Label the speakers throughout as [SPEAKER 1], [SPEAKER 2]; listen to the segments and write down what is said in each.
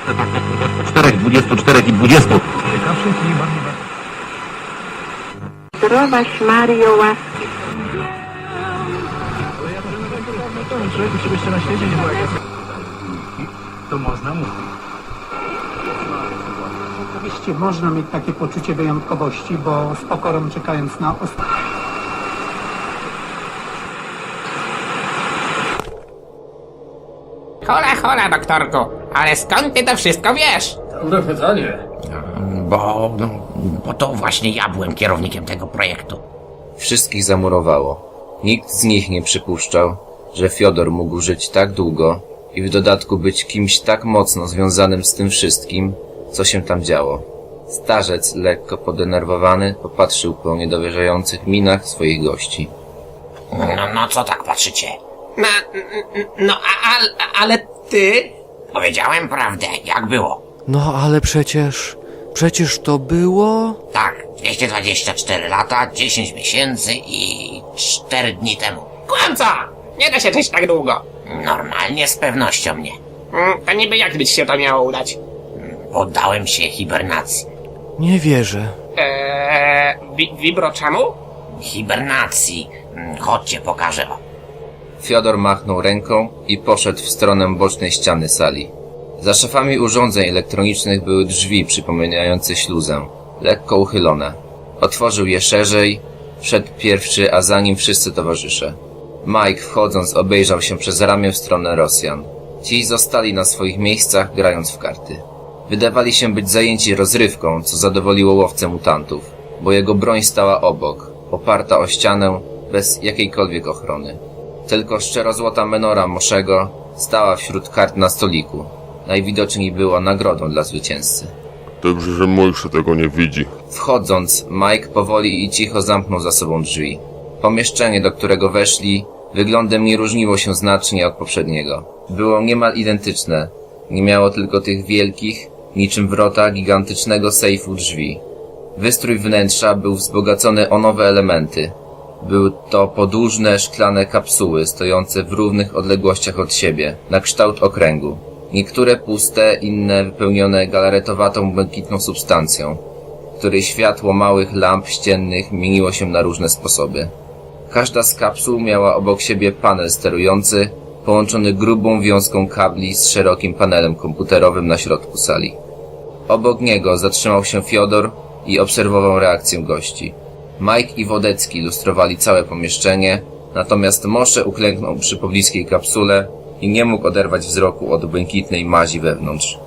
[SPEAKER 1] 4, 24 i 20.
[SPEAKER 2] Zdrowaś Mario, łaski.
[SPEAKER 3] Człowieku, ciebie jeszcze na świecie nie było jak to można mówić.
[SPEAKER 4] Oczywiście można mieć takie poczucie wyjątkowości, bo z pokorą czekając na
[SPEAKER 5] Hola, hola, doktorku, ale skąd ty to wszystko wiesz?
[SPEAKER 3] Dobre pytanie.
[SPEAKER 5] Bo to właśnie ja byłem kierownikiem tego projektu.
[SPEAKER 6] Wszystkich zamurowało. Nikt z nich nie przypuszczał, że Fiodor mógł żyć tak długo i w dodatku być kimś tak mocno związanym z tym wszystkim, co się tam działo. Starzec, lekko podenerwowany, popatrzył po niedowierzających minach swoich gości.
[SPEAKER 5] No co tak patrzycie? Ale ty? Powiedziałem prawdę, jak było.
[SPEAKER 7] No ale przecież to było...
[SPEAKER 5] Tak, 224 lata, 10 miesięcy i 4 dni temu. Kłamca! Nie da się żyć tak długo. Normalnie, z pewnością nie. To niby jak by ci się to miało udać? Poddałem się hibernacji.
[SPEAKER 7] Nie wierzę.
[SPEAKER 5] Wibro czemu? Hibernacji. Chodźcie, pokażę wam.
[SPEAKER 6] Fiodor machnął ręką i poszedł w stronę bocznej ściany sali. Za szafami urządzeń elektronicznych były drzwi przypominające śluzę, lekko uchylone. Otworzył je szerzej, wszedł pierwszy, a za nim wszyscy towarzysze. Mike, wchodząc, obejrzał się przez ramię w stronę Rosjan. Ci zostali na swoich miejscach, grając w karty. Wydawali się być zajęci rozrywką, co zadowoliło łowcę mutantów, bo jego broń stała obok, oparta o ścianę, bez jakiejkolwiek ochrony. Tylko szczerozłota menora Moszego stała wśród kart na stoliku. Najwidoczniej była nagrodą dla zwycięzcy.
[SPEAKER 8] Dobrze, że Mojsze tego nie widzi.
[SPEAKER 6] Wchodząc, Mike powoli i cicho zamknął za sobą drzwi. Pomieszczenie, do którego weszli, wyglądem nie różniło się znacznie od poprzedniego. Było niemal identyczne. Nie miało tylko tych wielkich, niczym wrota gigantycznego sejfu drzwi. Wystrój wnętrza był wzbogacony o nowe elementy. Były to podłużne, szklane kapsuły stojące w równych odległościach od siebie, na kształt okręgu. Niektóre puste, inne wypełnione galaretowatą, błękitną substancją, której światło małych lamp ściennych mieniło się na różne sposoby. Każda z kapsuł miała obok siebie panel sterujący, połączony grubą wiązką kabli z szerokim panelem komputerowym na środku sali. Obok niego zatrzymał się Fiodor i obserwował reakcję gości. Mike i Wodecki lustrowali całe pomieszczenie, natomiast Mosze uklęknął przy pobliskiej kapsule i nie mógł oderwać wzroku od błękitnej mazi wewnątrz.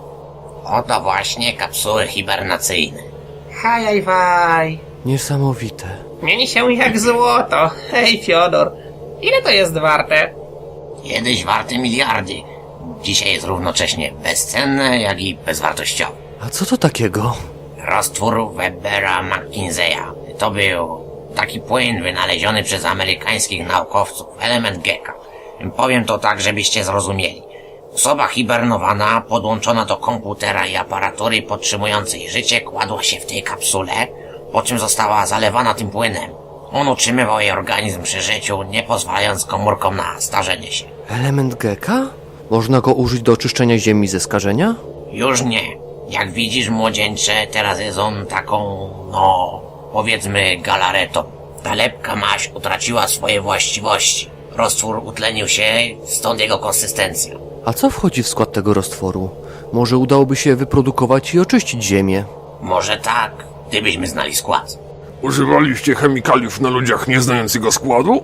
[SPEAKER 5] Oto właśnie kapsuły hibernacyjne. Hajajwaj.
[SPEAKER 7] Niesamowite.
[SPEAKER 5] Mieni się jak złoto. Hej, Fiodor. Ile to jest warte? Kiedyś warte miliardy. Dzisiaj jest równocześnie bezcenne, jak i bezwartościowe.
[SPEAKER 7] A co to takiego?
[SPEAKER 5] Roztwór Webera McKinseya. To był taki płyn wynaleziony przez amerykańskich naukowców, element Gecka. Powiem to tak, żebyście zrozumieli. Osoba hibernowana, podłączona do komputera i aparatury podtrzymującej życie, kładła się w tej kapsule, po czym została zalewana tym płynem. On utrzymywał jej organizm przy życiu, nie pozwalając komórkom na starzenie się.
[SPEAKER 7] Element Gecka? Można go użyć do oczyszczenia ziemi ze skażenia?
[SPEAKER 5] Już nie. Jak widzisz, młodzieńcze, teraz jest on taką, powiedzmy galaretą. Ta lepka maź utraciła swoje właściwości. Roztwór utlenił się, stąd jego konsystencja.
[SPEAKER 7] A co wchodzi w skład tego roztworu? Może udałoby się wyprodukować i oczyścić ziemię?
[SPEAKER 5] Może tak, gdybyśmy znali skład.
[SPEAKER 8] Używaliście chemikaliów na ludziach nie znając jego składu?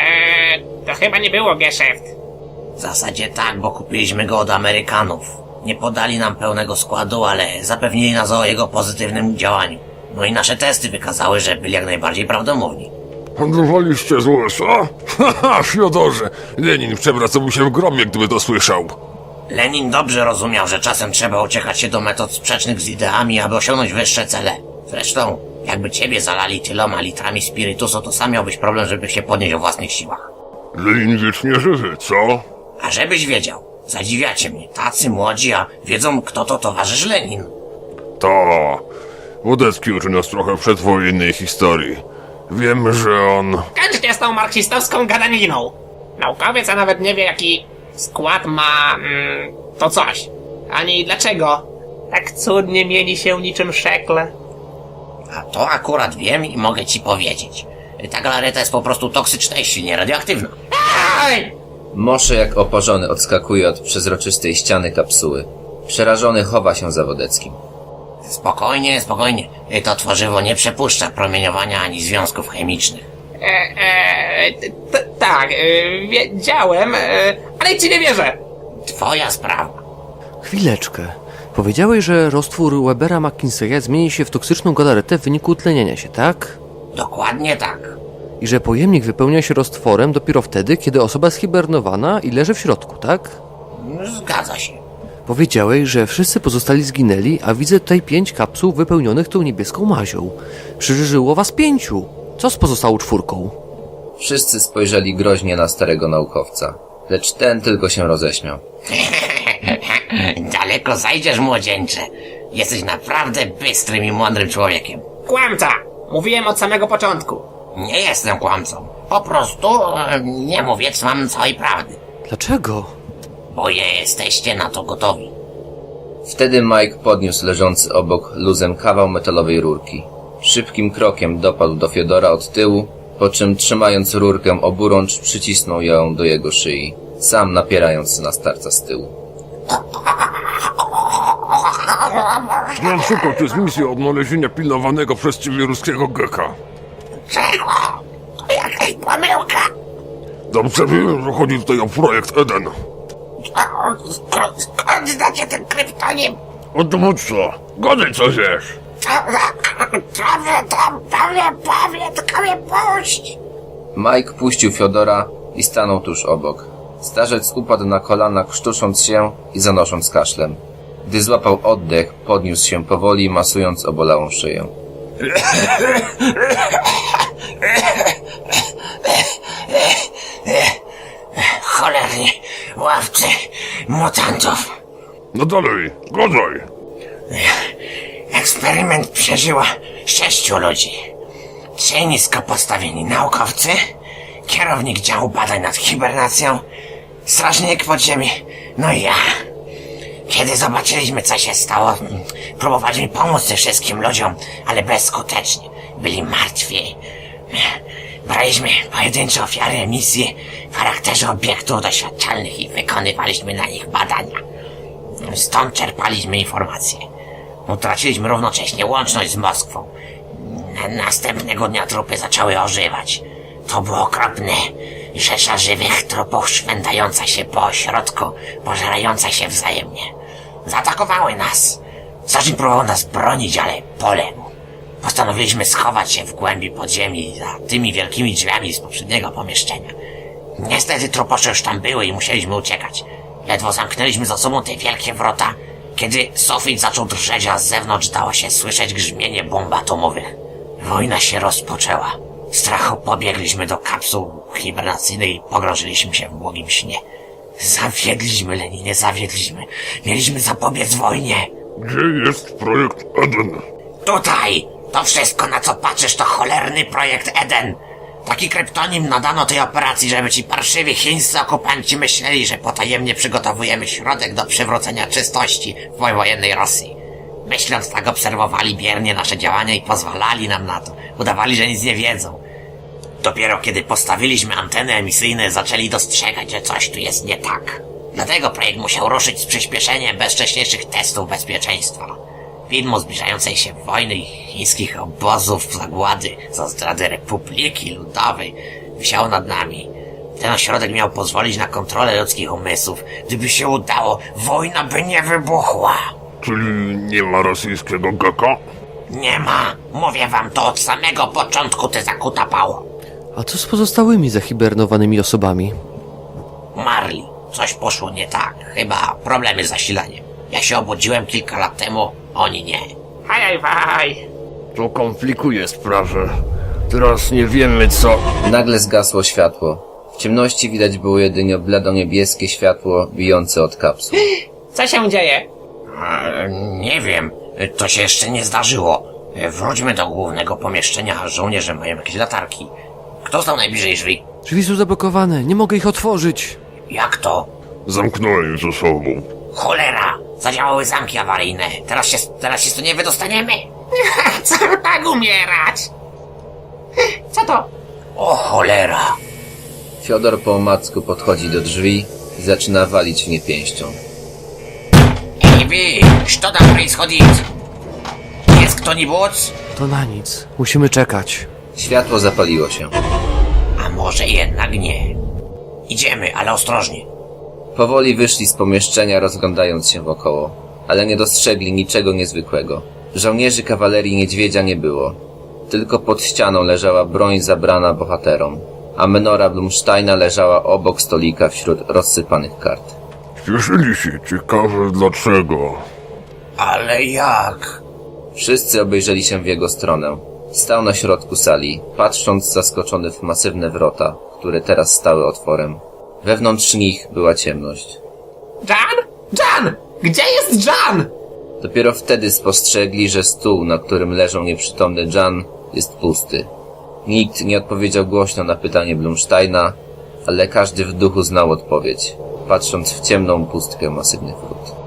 [SPEAKER 5] To chyba nie było geszeft. W zasadzie tak, bo kupiliśmy go od Amerykanów. Nie podali nam pełnego składu, ale zapewnili nas o jego pozytywnym działaniu. No i nasze testy wykazały, że byli jak najbardziej prawdomówni.
[SPEAKER 8] Handlowaliście z USA? Haha, Fiodorze! Lenin przewracałby się w grobie, gdyby to słyszał.
[SPEAKER 5] Lenin dobrze rozumiał, że czasem trzeba uciekać się do metod sprzecznych z ideami, aby osiągnąć wyższe cele. Zresztą, jakby ciebie zalali tyloma litrami spirytusu, to sam miałbyś problem, żeby się podnieść o własnych siłach.
[SPEAKER 8] Lenin wiecznie żywy, co?
[SPEAKER 5] A żebyś wiedział, zadziwiacie mnie, tacy młodzi, a wiedzą, kto to towarzysz Lenin.
[SPEAKER 8] To... Wodecki uczy nas trochę przedwojennej historii. Wiem, że on...
[SPEAKER 5] Kończcie z tą marksistowską gadaniną. Naukowiec, a nawet nie wie, jaki skład ma... to coś.
[SPEAKER 1] Ani dlaczego. Tak cudnie mieni się niczym szekle.
[SPEAKER 5] A to akurat wiem i mogę ci powiedzieć. Ta galareta jest po prostu toksyczna i silnie radioaktywna.
[SPEAKER 1] Aj!
[SPEAKER 6] Mosze jak oporzony odskakuje od przezroczystej ściany kapsuły. Przerażony chowa się za Wodeckim.
[SPEAKER 5] Spokojnie, spokojnie. To tworzywo nie przepuszcza promieniowania ani związków chemicznych.
[SPEAKER 1] Tak, wiedziałem, ale ci nie wierzę.
[SPEAKER 5] Twoja sprawa.
[SPEAKER 7] Chwileczkę. Powiedziałeś, że roztwór Webera McKinseya zmieni się w toksyczną galaretę w wyniku tlenienia się, tak?
[SPEAKER 5] Dokładnie tak.
[SPEAKER 7] I że pojemnik wypełnia się roztworem dopiero wtedy, kiedy osoba jest hibernowana i leży w środku, tak?
[SPEAKER 5] Zgadza się.
[SPEAKER 7] Powiedziałeś, że wszyscy pozostali zginęli, a widzę tutaj 5 kapsuł wypełnionych tą niebieską mazią. Przeżyło was 5. Co z pozostałą 4?
[SPEAKER 6] Wszyscy spojrzeli groźnie na starego naukowca, lecz ten tylko się roześmiał.
[SPEAKER 5] Daleko zajdziesz, młodzieńcze. Jesteś naprawdę bystrym i mądrym człowiekiem.
[SPEAKER 1] Kłamca! Mówiłem od samego początku.
[SPEAKER 5] Nie jestem kłamcą. Po prostu nie mówię wam całej prawdy.
[SPEAKER 7] Dlaczego?
[SPEAKER 5] Bo jesteście na to gotowi.
[SPEAKER 6] Wtedy Mike podniósł leżący obok luzem kawał metalowej rurki. Szybkim krokiem dopadł do Fiodora od tyłu, po czym trzymając rurkę oburącz przycisnął ją do jego szyi, sam napierając na starca z tyłu.
[SPEAKER 8] Szukał tu jest misja odnalezienia pilnowanego przez ciebie ruskiego geka.
[SPEAKER 5] Czego? To jakaś pomyłka.
[SPEAKER 8] Dobrze wiem, że chodzi tutaj o projekt Eden.
[SPEAKER 5] Skąd znacie ten kryptonim?
[SPEAKER 8] Od dowódca, gadaj co wiesz.
[SPEAKER 5] Powie, tylko mnie puść.
[SPEAKER 6] Mike puścił Fiodora i stanął tuż obok. Starzec upadł na kolana, krztusząc się i zanosząc kaszlem. Gdy złapał oddech, podniósł się powoli, masując obolałą szyję.
[SPEAKER 5] Cholerni ławcy mutantów.
[SPEAKER 8] No dalej, gadaj.
[SPEAKER 5] Eksperyment przeżyło 6 ludzi. 3 nisko postawieni naukowcy, kierownik działu badań nad hibernacją, strażnik podziemi, no i ja. Kiedy zobaczyliśmy, co się stało, próbowaliśmy pomóc tym wszystkim ludziom, ale bezskutecznie. Byli martwi. Braliśmy pojedyncze ofiary emisji w charakterze obiektów doświadczalnych i wykonywaliśmy na nich badania. Stąd czerpaliśmy informacje. Utraciliśmy równocześnie łączność z Moskwą. Następnego dnia trupy zaczęły ożywać. To było okropne. Rzesza żywych trupów szwędająca się po ośrodku, pożerająca się wzajemnie. Zaatakowały nas. Strażnik próbował nas bronić, ale poległ. Postanowiliśmy schować się w głębi podziemi za tymi wielkimi drzwiami z poprzedniego pomieszczenia. Niestety truposze już tam były i musieliśmy uciekać. Ledwo zamknęliśmy za sobą te wielkie wrota, kiedy sufit zaczął drżeć, a z zewnątrz dało się słyszeć grzmienie bomb atomowych. Wojna się rozpoczęła. W strachu pobiegliśmy do kapsuł hibernacyjnej i pogrążyliśmy się w błogim śnie. Zawiedliśmy, Leninie, zawiedliśmy. Mieliśmy zapobiec wojnie.
[SPEAKER 8] Gdzie jest projekt Eden?
[SPEAKER 5] Tutaj! To wszystko, na co patrzysz, to cholerny projekt Eden. Taki kryptonim nadano tej operacji, żeby ci parszywi chińscy okupanci myśleli, że potajemnie przygotowujemy środek do przywrócenia czystości w powojennej Rosji. Myśląc tak, obserwowali biernie nasze działania i pozwalali nam na to. Udawali, że nic nie wiedzą. Dopiero kiedy postawiliśmy anteny emisyjne, zaczęli dostrzegać, że coś tu jest nie tak. Dlatego projekt musiał ruszyć z przyspieszeniem bez wcześniejszych testów bezpieczeństwa. Widmo zbliżającej się wojny i chińskich obozów zagłady za zdradę Republiki Ludowej wisiało nad nami. Ten ośrodek miał pozwolić na kontrolę ludzkich umysłów. Gdyby się udało, wojna by nie wybuchła.
[SPEAKER 8] Czyli nie ma rosyjskiego geka?
[SPEAKER 5] Nie ma. Mówię wam to od samego początku, ty zakutapało.
[SPEAKER 7] A co z pozostałymi zahibernowanymi osobami?
[SPEAKER 5] Umarli. Coś poszło nie tak. Chyba problemy z zasilaniem. Ja się obudziłem kilka lat temu, oni nie.
[SPEAKER 1] Haj.
[SPEAKER 8] To komplikuje sprawę. Teraz nie wiemy co...
[SPEAKER 6] Nagle zgasło światło. W ciemności widać było jedynie blado-niebieskie światło bijące od kapsuł.
[SPEAKER 1] Co się dzieje?
[SPEAKER 5] Nie wiem. To się jeszcze nie zdarzyło. Wróćmy do głównego pomieszczenia, żołnierze mają jakieś latarki. Kto stał najbliżej drzwi?
[SPEAKER 7] Drzwi są zablokowane, nie mogę ich otworzyć.
[SPEAKER 5] Jak to?
[SPEAKER 8] Zamknąłem ze sobą.
[SPEAKER 5] Cholera! Zadziałały zamki awaryjne. Teraz się stąd nie wydostaniemy.
[SPEAKER 1] Co tak umierać? Co to?
[SPEAKER 5] O cholera.
[SPEAKER 6] Fiodor po omacku podchodzi do drzwi i zaczyna walić w nie pięścią.
[SPEAKER 5] Ej wy, co tam происходит? Jest kto-nibudź?
[SPEAKER 7] To na nic. Musimy czekać.
[SPEAKER 6] Światło zapaliło się.
[SPEAKER 5] A może jednak nie. Idziemy, ale ostrożnie.
[SPEAKER 6] Powoli wyszli z pomieszczenia, rozglądając się wokoło, ale nie dostrzegli niczego niezwykłego. Żołnierzy kawalerii niedźwiedzia nie było. Tylko pod ścianą leżała broń zabrana bohaterom, a menora Blumsteina leżała obok stolika wśród rozsypanych kart.
[SPEAKER 8] Śpieszyli się, ciekawe dlaczego.
[SPEAKER 5] Ale jak?
[SPEAKER 6] Wszyscy obejrzeli się w jego stronę. Stał na środku sali, patrząc zaskoczony w masywne wrota, które teraz stały otworem. Wewnątrz nich była ciemność.
[SPEAKER 1] Jan? Jan! Gdzie jest Jan?
[SPEAKER 6] Dopiero wtedy spostrzegli, że stół, na którym leżał nieprzytomny Jan, jest pusty. Nikt nie odpowiedział głośno na pytanie Blumsteina, ale każdy w duchu znał odpowiedź, patrząc w ciemną pustkę masywnych wrót.